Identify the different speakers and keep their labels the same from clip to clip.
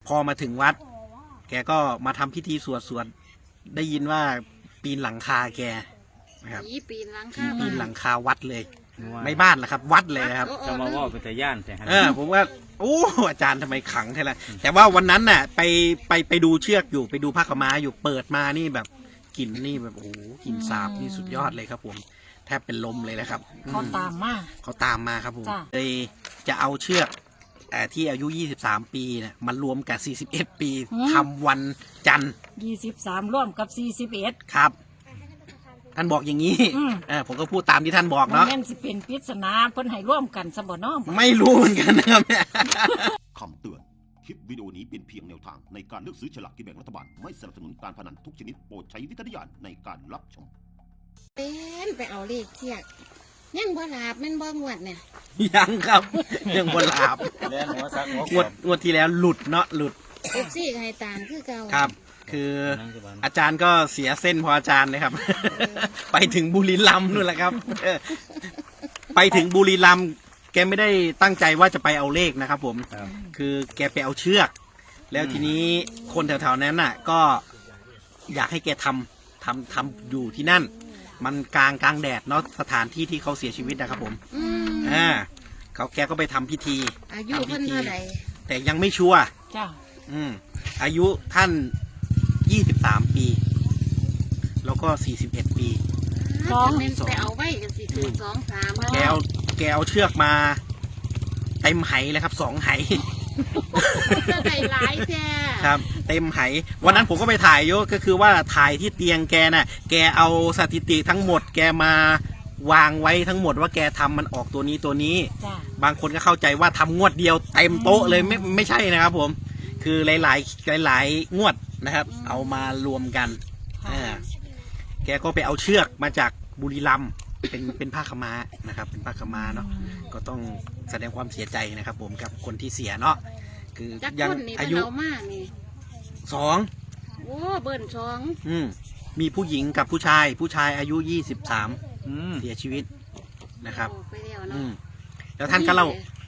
Speaker 1: พอมาถึงวัด แกก็มาทำพิธีสวดได้ยินว่าปีนหลังคาแกนะครับ
Speaker 2: ปีนหลัง
Speaker 1: ผี
Speaker 2: คา
Speaker 1: ปีนหลังคาวัดเลย ไม่บ้านละครับ วัดเลยนะครับ
Speaker 3: จะมาว่าเป็นแต่ย่านแต่
Speaker 1: ผมว่าโอ้อาจารย์ทำไมขังแท้ละแต่ว่าวันนั้นน่ะไปดูเชือกอยู่ไปดูผ้าขาวม้าอยู่เปิดมานี่แบบกลิ่นนี่แบบโอ้โหกลิ่นสาบนี่สุดยอดเลยครับผมแทบเป็นลมเลยนะครับ
Speaker 4: เขาตามมา
Speaker 1: เขาตามมาครับผม
Speaker 4: จ้ะ
Speaker 1: เลยจะเอาเชือกที่อายุ23ปีเนี่ยมันรวมกับ41ปีทำวันจันทร์
Speaker 4: 23ร่วมกับ41
Speaker 1: ครับท่านบอกอย่างนี้
Speaker 4: อืม
Speaker 1: ผมก็พูดตามที่ท่านบอก
Speaker 4: มัน
Speaker 1: เนาะ
Speaker 4: แม่นสิเป็นปริศนาเพิ่นให้ร่วมกันซะบ่เนาะ
Speaker 1: ไม่รู้เหมือนกันนะครับเนี่ย
Speaker 5: คำเตือน คลิปวิดีโอนี้เป็นเพียงแนวทางในการเลือกซื้อฉลากกินแบ่งรัฐบาล ไม่สนับสนุนการพนันทุกชนิดโปรดใช้วิจารณญาณในการรับชม
Speaker 2: เป็นไปเอาเลขเทียกยังบ่หลาบแม่นบ่งวดเนี่ย
Speaker 1: ยังครับยังบนหลาบ
Speaker 3: เล่นหัวซักหัว
Speaker 1: งวดที่แล้วหลุดเนาะหลุด
Speaker 2: FC ก็ให้ตามคือเก่า
Speaker 1: ครับ คืออาจารย์ก็เสียเส้นพออาจารย์เลยครับ ไปถึงบุรีรัมย์นู่นแหละครับไปถึงบุรีรัมย์แกไม่ได้ตั้งใจว่าจะไปเอาเลขนะครับผม คือแกไปเอาเชือก แล้วทีนี้คนแถวๆนั้นน่ะ ก็อยากให้แกทำอยู่ที่นั่น มันกลางแดดเนาะสถานที่ที่เขาเสียชีวิตนะครับผม แกก็ไปทำพิธี
Speaker 2: อายุ
Speaker 1: ทำ
Speaker 2: เพิ่
Speaker 1: พิ
Speaker 2: น
Speaker 1: ธี
Speaker 2: เท่าใด
Speaker 1: แต่ยังไม่ชัวร์
Speaker 4: จ้า
Speaker 1: อายุท่าน23ปีแล้วก็41ปี
Speaker 2: แม่นไปเอาไว้กันสิถูก2 3แล้ว
Speaker 1: แกเอาเชือกมาเต็มไหเลยครับ2 ไห
Speaker 2: จะได้หลายแท้
Speaker 1: ครับ เต็มไหวันนั้นผมก็ไปถ่ายโยก็คือว่าถ่ายที่เตียงแกน่ะแกเอาสถิติทั้งหมด แกมาวางไว้ทั้งหมดว่าแกทำมันออกตัวนี้
Speaker 4: จ้า
Speaker 1: บางคนก็เข้าใจว่าทำงวดเดียวเต็มโต๊ะเลยไม่ใช่นะครับผม คือหลายงวดนะครับ เอามารวมกันแกก็ไปเอาเชือกมาจากบุรีรัมย์เป็นผ้าขาวม้านะครับ เป็นผ้าขาวม้าเนาะก็ต้องแสดงความเสียใจนะครับ ผมกับคนที่เสียเนาะคือ
Speaker 2: จัก
Speaker 1: ยัง
Speaker 2: คนนี่
Speaker 1: อา
Speaker 2: เพิ่น
Speaker 1: ยุ
Speaker 2: เอามานี่
Speaker 1: 2
Speaker 2: โอ้เบิ่น2
Speaker 1: มีผู้หญิงกับผู้ชายอายุ23เสียชีวิตนะครับ
Speaker 2: ออกไปแล้วเนาะ
Speaker 1: แล้วท่านก็เล่า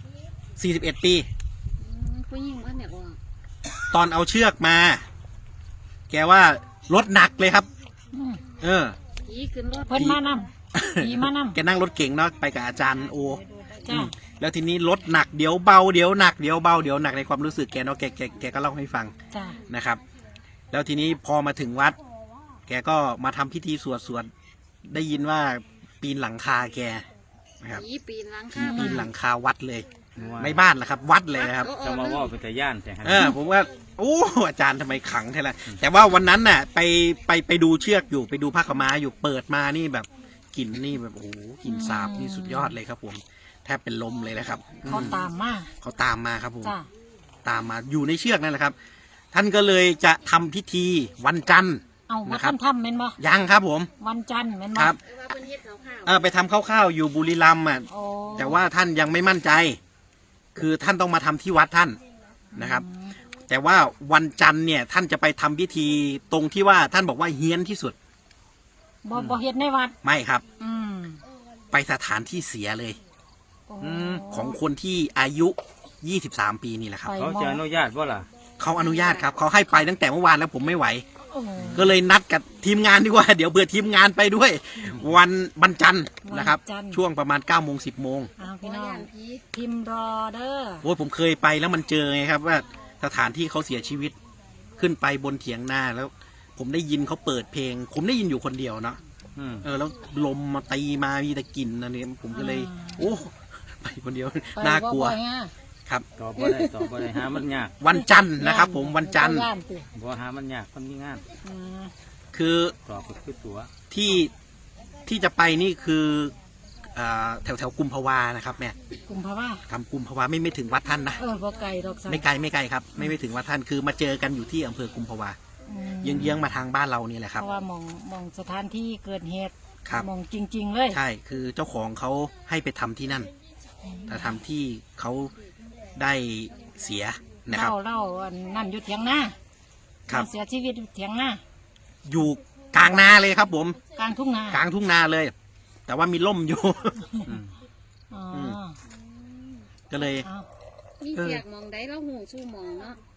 Speaker 1: 41ปี
Speaker 2: ผู้หญิงเพิ่นเนี่ยออก
Speaker 1: ตอนเอาเชือกมา แกว่ารถหนักเลยครับ
Speaker 2: ผีขึ้นรถ
Speaker 4: เพิ่นมานำผีมานำ
Speaker 1: แกนั่งรถเก่งเนาะไปกับอาจารย์โอ
Speaker 4: จ้า
Speaker 1: แล้วทีนี้รถหนักเดี๋ยวเบาเดี๋ยวหนักเดี๋ยวเบาเดี๋ยวหนักในความรู้สึกแกเนาะแกก็เล่าให้ฟัง
Speaker 4: จ้า
Speaker 1: นะครับ แล้วทีนี้พอมาถึงวัด แกก็มาทำพิธีสวดได้ยินว่าปีนหลังคาแกนะครับ
Speaker 2: ผีปีนหลัง
Speaker 1: ผี
Speaker 2: คา
Speaker 1: ปีนหลังคาวัดเลย ไม่บ้านละครับ วัดเลยนะครับ
Speaker 3: จะมาว่าเป็นแต่ย่านแต่
Speaker 1: ผมว่าโอ้อาจารย์ทำไมขังแท้ละแต่ว่าวันนั้นน่ะไปดูเชือกอยู่ไปดูผ้าขาวม้าอยู่เปิดมานี่แบบกลิ่นนี่แบบโอ้โหกลิ่นสาบนี่สุดยอดเลยครับ ผมแทบเป็นลมเลยนะครับ
Speaker 4: เขาตามมา
Speaker 1: เขาตามมาครับผม
Speaker 4: จ้า
Speaker 1: ตามมาอยู่ในเชือกนั่นแหละครับ ท่านก็เลยจะทำพิธีวันจันทร์
Speaker 4: เอาว่า
Speaker 1: นะครับ
Speaker 4: ท่านทำแม่นบ่
Speaker 1: ยังครับผม
Speaker 4: วันจันทร์แม่นบ่
Speaker 1: ครับ
Speaker 2: ว่าเพิ่นเฮ็ดข้าว
Speaker 1: ไปทำข้าวๆอยู่บุรีรัมย์อ่ะ
Speaker 4: โอ้
Speaker 1: แต่ว่าท่านยังไม่มั่นใจ คือท่านต้องมาทำที่วัดท่านนะครับ แต่ว่าวันจันทร์เนี่ยท่านจะไปทำพิธีตรงที่ว่าท่านบอกว่าเฮี้ยนที่สุด
Speaker 4: บ่เฮ็ดในวัด
Speaker 1: ไม่ครับ
Speaker 4: อืม
Speaker 1: ไปสถานที่เสียเลย
Speaker 4: โอ้
Speaker 1: ของคนที่อายุ23ปีนี่แหละครับ
Speaker 4: ไป
Speaker 3: เขาจะอนุญาตว่าล่ะ
Speaker 1: เขาอนุญาตครับเขาให้ไปตั้งแต่เมื่อวานแล้วผมไม่ไหว
Speaker 4: โอ้
Speaker 1: ก็เลยนัดกับทีมงานดีกว่า เดี๋ยวเบื่อทีมงานไปด้วย วันจันทร์นะครับ ช่วงประมาณ9 โมง 10 โมง
Speaker 4: เอา
Speaker 2: พี่
Speaker 4: พี่
Speaker 2: น้
Speaker 4: น้
Speaker 2: อ
Speaker 4: อง ง
Speaker 2: ผี
Speaker 4: พิมพ์รอเด้อ
Speaker 1: โอ้ยผมเคยไปแล้วมันเจอไงครับว่าสถานที่เขาเสียชีวิตขึ้นไปบนเถียงนาแล้ว ผมได้ยินเขาเปิดเพลง ผมได้ยินอยู่คนเดียวเนาะแล้วลมมาตีมามีแต่กลิ่นอันนี้ผมก็เลย โอ้ไปคนเดียวน่ากลัว
Speaker 4: ไปบ่อยอะ
Speaker 1: ครับ
Speaker 3: ตอบบ่ได้หามันยาก
Speaker 1: วันจันทร์นะครับ ผมวันจันทร์
Speaker 4: ย่านติ
Speaker 3: บ่หามันยากคนมีงาน
Speaker 4: อืม
Speaker 1: คือ
Speaker 3: ตอบก็คือตัว
Speaker 1: ที่จะไปนี่คือแถวกุมภาวานะครับแม่
Speaker 4: กุมภาวะ
Speaker 1: ทำกุมภาวาไม่ถึงวัดท่านนะ
Speaker 4: บ่ไกลดอกสั
Speaker 1: ไม่ไกลครับ ไม่ถึงวัดท่านคือมาเจอกันอยู่ที่อำเภอกุมภาวาเยื้องๆมาทางบ้านเรานี่แหละค
Speaker 4: เพ
Speaker 1: รับ
Speaker 4: ราะว่ามองสถานที่เกิดเหตุ
Speaker 1: ครับ
Speaker 4: มองจริง ๆ เลย
Speaker 1: ใช่คือเจ้าของเขาให้ไปทำที่นั่นแต่ทำที่เขาได้เสียนะครับ
Speaker 4: เล่าอันนั่นอยู่เถียงนา
Speaker 1: ครับ
Speaker 4: เสียชีวิตอยู่เถียงนา
Speaker 1: อยู่กลางนาเลยครับ ผม
Speaker 4: กลางทุ่งนาก
Speaker 1: ลางทุ่งนาเลย แต่ว่ามีร่มอยู่
Speaker 4: อ๋อ
Speaker 1: ก็เลย
Speaker 4: เอา
Speaker 2: มีเสียกมองได้แล้วหูสู้มองเนาะ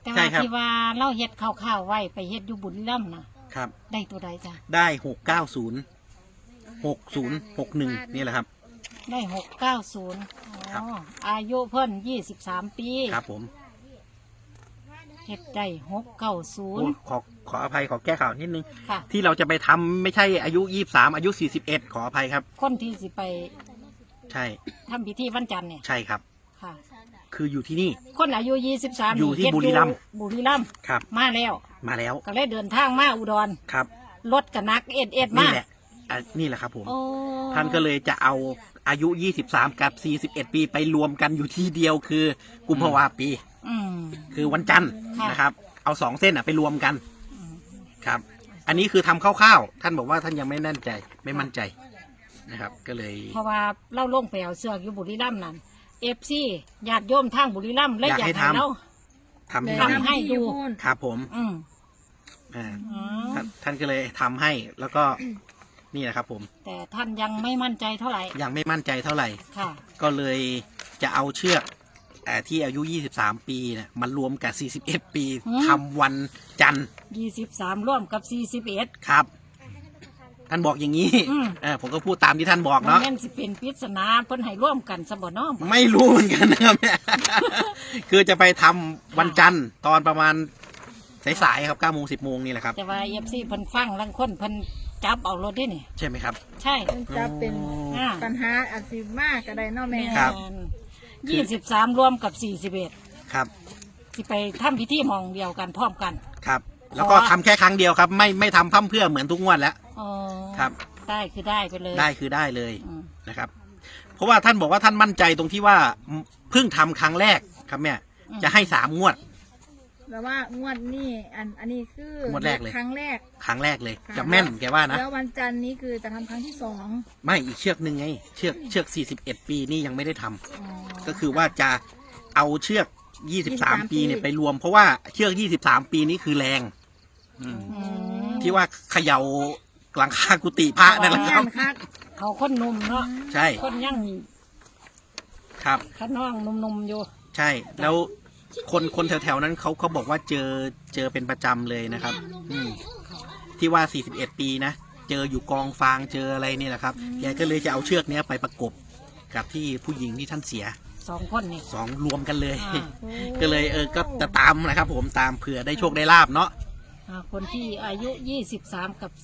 Speaker 4: แต่
Speaker 1: ใช่
Speaker 4: ว่า
Speaker 1: ครับ
Speaker 4: ที่ว่าเราเฮ็ดข้าวๆไว้ไปเฮ็ดอยู่บุรีรัมย์นะครับ ได้ตัวใดจ้ะ
Speaker 1: ได้690 6061นี่แหละครับ
Speaker 4: ได้690
Speaker 1: ครับ
Speaker 4: อายุเพิ่น23 ปี
Speaker 1: ครับผม
Speaker 4: เฮ็ดได้
Speaker 1: โอ้
Speaker 4: 690
Speaker 1: ขออภัยขอแก้ข่าวนิดนึง
Speaker 4: ค่ะ
Speaker 1: ที่เราจะไปทำไม่ใช่อายุ23อายุ41ขออภัยครับ
Speaker 4: คนที่สิไป
Speaker 1: ใช่
Speaker 4: ทำพิธีวันจันทร์เนี่ย
Speaker 1: ใช่ครับ
Speaker 4: ค่ะ
Speaker 1: คืออยู่ที่นี่
Speaker 4: คนอายุ23
Speaker 1: อยู่ที่
Speaker 4: เฮ็ด
Speaker 1: บุรีรัมย์
Speaker 4: บุรีรัมย์
Speaker 1: ครับ
Speaker 4: มาแล้ว
Speaker 1: มาแล้ว
Speaker 4: ก็เลยเดินทางมาอุดร
Speaker 1: ครับ
Speaker 4: รถกับนักเอ็ดมา
Speaker 1: นี่แหละนี่แหละครับผม
Speaker 4: โอ้
Speaker 1: ท่านก็เลยจะเอาอายุ23กับ41ปีไปรวมกันอยู่ที่เดียวคือกุมภาวาปี
Speaker 4: อืม
Speaker 1: คือวันจันทร์
Speaker 4: ค่ะ
Speaker 1: นะครับ เอา2เส้นไปรวมกันครับ อันนี้คือทำคร่าวๆท่านบอกว่าท่านยังไม่แน่นใจไม่มั่นใจนะครับ ก็เลย
Speaker 4: เพราะว่าเล่าลงไปเอาเสือกอยู่บุรีรัมย์นั่นFC ญาติโยมทางบุรีรัมย์เลยอยากให้เรา
Speaker 1: ทำให้
Speaker 4: ทำให้ดู
Speaker 1: ครับผม
Speaker 4: อืม
Speaker 1: อ่า
Speaker 4: อ๋อ
Speaker 1: ท่านก็เลยทำให้แล้วก็นี่แหละครับผม
Speaker 4: แต่ท่านยังไม่มั่นใจเท่าไหร่
Speaker 1: ยังไม่มั่นใจเท่าไหร่
Speaker 4: ค่ะ
Speaker 1: ก็เลยจะเอาเชือกที่อายุ23ปีเนี่ยมันรวมกับ41ปีทำวันจันทร์
Speaker 4: 23ร่วมกับ41
Speaker 1: ครับ ท่านบอกอย่างนี้
Speaker 4: อืม
Speaker 1: ผมก็พูดตามที่ท่านบอก
Speaker 4: มัน
Speaker 1: เนาะ
Speaker 4: แม่นสิเป็นปริศนาเพิ่นให้ร่วมกันซะบ่เนาะ
Speaker 1: ไม่รู้เหมือนกันนะครับเนี่ย คือจะไปทำวันจันทร์ตอนประมาณสายๆครับ9 โมง 10 โมงนี่แหละครับ
Speaker 4: แต่ว่า FC เพิ่นฟังลังคนเพิ่นจับเอารถได้นี่
Speaker 1: ใช่ไหมครับ
Speaker 4: ใช่
Speaker 6: มันจะเป็น
Speaker 4: อ่า
Speaker 6: ปัญหาอาจสิมากก็ได้เนาะแม่
Speaker 1: ครับ
Speaker 4: 23รวมกับ41
Speaker 1: ครับ
Speaker 4: สิไปทำพิธีหมองเดียวกันพร้อมกัน
Speaker 1: ครับ แล้วก็ทำแค่ครั้งเดียวครับ ไม่ทำพร่ำเพรื่อเหมือนทุกงวดแล้ว
Speaker 4: อ๋อ
Speaker 1: ครับ
Speaker 4: ได้คือได้ไปเลย
Speaker 1: ได้คือได้เลย
Speaker 4: อืม
Speaker 1: นะครับ เพราะว่าท่านบอกว่าท่านมั่นใจตรงที่ว่าเพิ่งทำครั้งแรกครับแม่จะให้3 งวด
Speaker 6: แล้วว่างวดนี้อันนี้คือง
Speaker 1: วดแรกเลย
Speaker 6: ครั้งแรก
Speaker 1: ครั้งแรกเลย
Speaker 6: ค่ะ
Speaker 1: จะแม่นแกว่านะ
Speaker 6: แล้ววันจันทร์นี้คือจะทำครั้งที่สอง
Speaker 1: ไม่อีกเชือกหนึ่งไง เชือก41 ปีนี่ยังไม่ได้ทำ
Speaker 6: อ๋อ
Speaker 1: ก็คือว่าจะเอาเชือก 23 ปีเนี่ย
Speaker 6: ปี
Speaker 1: ไปรวม เพราะว่าเชือก 23 ปีนี้คือแรง
Speaker 3: อืม
Speaker 4: อืม
Speaker 1: ที่ว่าเขย่าหลังคากุฏิพระนั่นแหละค
Speaker 6: งา
Speaker 1: รับ
Speaker 6: นคัก
Speaker 4: เขาคนหนุ่มเนาะ
Speaker 1: ใช่
Speaker 4: คนยัง
Speaker 1: ครับ
Speaker 4: ขน้องหนุ่มๆอยู่
Speaker 1: ใช่ แล้วคนแถวๆนั้นเขาบอกว่าเจอเป็นประจำเลยนะครับ ที่ว่า 41 ปีนะ เจออยู่กองฟางเจออะไรนี่แหละครับ แกก็เลยจะเอาเชือกเนี้ยไปประกบกับที่ผู้หญิงที่ท่านเสีย
Speaker 4: 2 คนนี่
Speaker 1: 2 รวมกันเลย
Speaker 4: อ่า
Speaker 1: ก็เลยก็จะตามนะครับ ผมตามเผื่อได้โชคได้ลาบเนาะ
Speaker 4: คนที่อายุ23กับ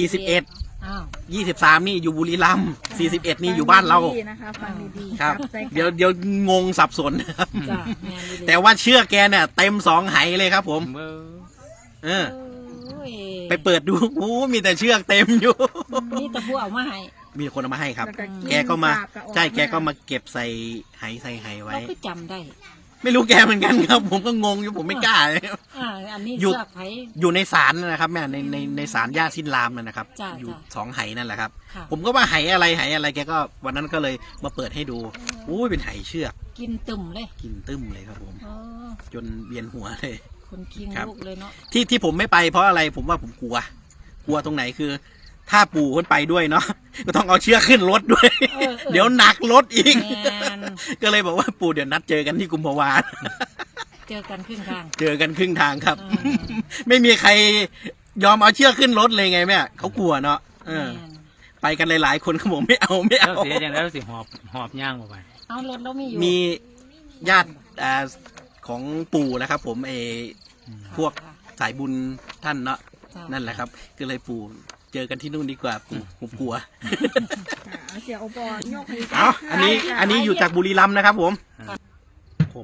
Speaker 1: 41
Speaker 4: อ้าว
Speaker 1: 23 นี่อยู่บุรีรัมย์41 นี่อยู่บ้านเรา
Speaker 6: ฟังดีๆนะคะฟังดีๆ
Speaker 1: ครับ
Speaker 6: ใจ
Speaker 1: เดี๋ยวงงสับสนนะครับ
Speaker 4: จ้าแม่นดีๆ
Speaker 1: แต่ว่าเชือกแกเนี่ยเต็ม2 ไหเลยครับ ผม
Speaker 3: เมื่อ
Speaker 1: เออ
Speaker 4: โอ้ย
Speaker 1: ไปเปิดดูโอ้มีแต่เชือกเต็มอยู่
Speaker 4: นี่ตะผู้เอามาให้
Speaker 1: มีคนเอามาให้ครับ
Speaker 6: ล้ว
Speaker 1: แกก็มา
Speaker 6: สบ
Speaker 1: ใช่แกก็มาเก็บใส่ไหไว้
Speaker 4: เราก็จำได้
Speaker 1: ไม่รู้แกเหมือนกันครับ ผมก็งงอยู่ผมไม่กล้า
Speaker 4: อันนี้
Speaker 1: อยู่
Speaker 4: เสือกไผ
Speaker 1: อยู่ในศาลนั่นนะครับแม่ในศาลย่าสิ้นรามนั่นนะครับ
Speaker 4: จ้ะ
Speaker 1: อยู่
Speaker 4: จ้ะ
Speaker 1: 2 ไหนั่นแหละครับ
Speaker 4: ค่ะ
Speaker 1: ผมก็ว่าไหอะไรแกก็วันนั้นก็เลยมาเปิดให้ดูโอ้ยเป็นไหเชือก
Speaker 4: กินตุ่มเลย
Speaker 1: กินตึ้มเลยครับผม
Speaker 4: อ๋อ
Speaker 1: จนเวียนหัวเลย
Speaker 4: คนคิง
Speaker 1: ครับ
Speaker 4: ลูกเลยเนาะ
Speaker 1: ที่ผมไม่ไปเพราะอะไรผมว่าผมกลัวตรงไหนคือ ถ้าปู่คนไปด้วยเนาะ ก็ต้องเอาเชือกขึ้นรถด้วย เดี๋ยวหนักรถอีก
Speaker 4: แม่น
Speaker 1: ก็เลยบอกว่าปู่เดี๋ยวนัดเจอกันที่กุมภาวา
Speaker 4: เจอกันครึ่งทาง
Speaker 1: เจอกันครึ่งทางครับ
Speaker 4: อืม
Speaker 1: ไม่มีใครยอมเอาเชือกขึ้นรถเลยไงแม่เขากลัวเนาะเออ
Speaker 4: แม่น
Speaker 1: ไปกันหลายๆคนเขาบอกไม่เอา
Speaker 3: แล้วเสียอย่างแล้วสิหอบย่างออกไป
Speaker 4: เอารถเรามีอยู่
Speaker 1: มีญาติของปู่นะครับ ผมพวกสายบุญท่านเนาะ
Speaker 4: จ้ะ
Speaker 1: นั่นแหละครับ ก็เลยปู่เจอกันที่นู่นดีกว่าปู่ผมกลัว
Speaker 6: ค่ะเสียโอปอโยกให้
Speaker 1: เอาอันนี้อยู่จากบุรีรัมย์นะครับ ผม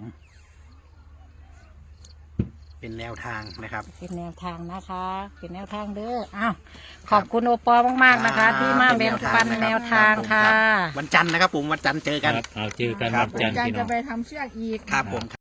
Speaker 1: เป็นแนวทางนะครับ
Speaker 4: เป็นแนวทางนะคะ เป็นแนวทางเด้ออ้าวขอบคุณโอปอมากๆนะคะ ที่มาแบ่งปันแนวทางค่ะ
Speaker 1: วันจันทร์นะครับ ผมวันจันทร์เจอกัน
Speaker 3: เอาเจอกัน
Speaker 1: ครั
Speaker 3: วั
Speaker 1: บ
Speaker 3: นจันทร์
Speaker 6: การ
Speaker 3: พี่น้
Speaker 6: จะ
Speaker 3: อง
Speaker 6: ไปทำเชือกอีก
Speaker 1: ครับผม